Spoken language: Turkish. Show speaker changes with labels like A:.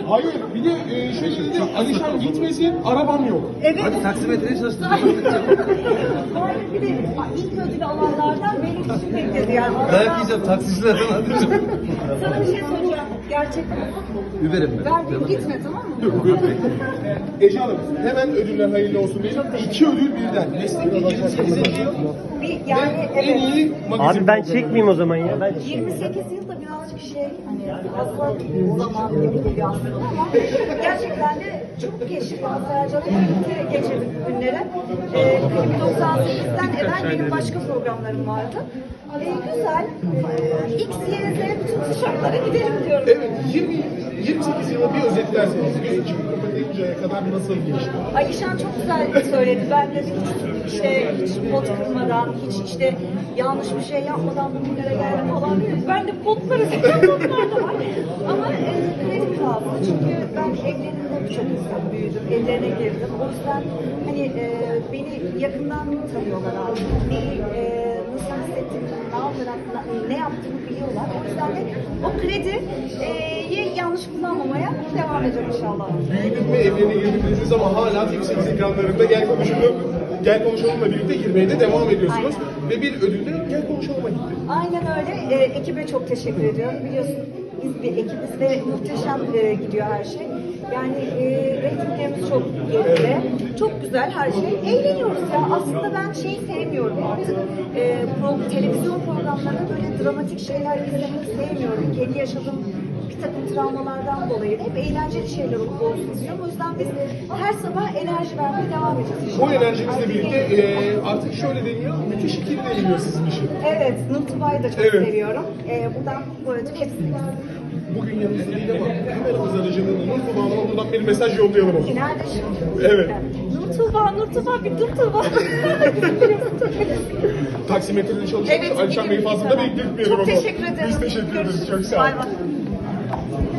A: Hayır, bir de şöyle dedi, Alişan gitmesin, arabam yok.
B: Evet.
C: Hadi taksimetreye çalıştım.
B: Hayır, bir de ilk ödülü alanlardan benim için bekledi yani.
C: Dayak yiyeceğim taksicilerden alacağım.
B: Sana bir şey soracağım. Gerçekten.
C: Biberim ben.
B: Verdim gitme, tamam mı?
A: Ece Hanım, hemen ödüller hayırlı olsun diyelim. 2 ödül birden. Meslekte 28'e gidiyor.
B: Yani
A: En
B: evet.
A: iyi magazin.
D: Abi ben çekmeyeyim o zaman ya. Ben
B: 28 yıl da birazcık hani fazla zaman gibi geliyor aslında ama gerçekten de çok geçti. Sercan'la birlikte geçirdik günleri. 98'den evvel benim başka programlarım vardı. Güzel. X, Y, Z bütün kuşaklara gidelim diyorum.
A: Evet, 28 yılı bir özetlerseniz, bir çıkıp kapatınca kadar nasıl geçti?
B: Alişan çok güzel söyledi. Ben de hiç pot kırmadan, hiç işte yanlış bir şey yapmadan bugünlere geldim falan diyor. Ben de potları seviyorum, potlar da var. Ama kredi fazla. Çünkü ben evlerinde birçok insan büyüdüm, evlerine girdim. O yüzden hani beni yakından tanıyorlar abi. Neyi, nasıl hissettiğimi, ne yaparak, ne yaptığımı biliyorlar. O yüzden de o krediyi yanlış kullanmamaya devam edeceğim inşallah.
A: Büyüdük ve evlerine girdiniz ama hala TV8 ekranlarında Gel Konuşalım'la birlikte girmeye de devam ediyorsunuz.
B: Aynen.
A: Ve bir ödül de Gel Konuşalım'a gitti.
B: Aynen öyle. Ekibe çok teşekkür ediyorum. Biliyorsun biz bir ekibiz ve muhteşem gidiyor her şey. Yani reytinglerimiz çok yerinde. Çok güzel her şey. Eğleniyoruz ya. Aslında ben şeyi sevmiyorum artık. Televizyon programlarında böyle dramatik şeyler izlemek sevmiyorum. Kendi yaşadığım bir takım travmalardan dolayı hep eğlenceli şeyler olup olsun istiyorum. O yüzden biz her sabah enerji vermeye devam edeceğiz.
A: O enerjinizle birlikte artık şöyle deniyor, müthiş ikili deniliyor sizin için.
B: Evet, Nur Tuba'yı da çok
A: Evet.
B: seviyorum. Buradan bu ödül hepsini.
A: Bugün yanımızda değil ama kameramız aracılığıyla Nur Tuba Hanım'a buradan bir mesaj yollayalım o zaman.
B: Nerede şimdi?
A: Evet.
B: Nur Tuba, bir Nur Tuba.
A: Taksimetrede çalışan
B: Evet,
A: Alişan Bey fazla da bekletmeyelim
B: Çok
A: ama.
B: teşekkür ederim.
A: Biz teşekkür ederiz. Çok sağ
B: Bay
A: olun.
B: bay.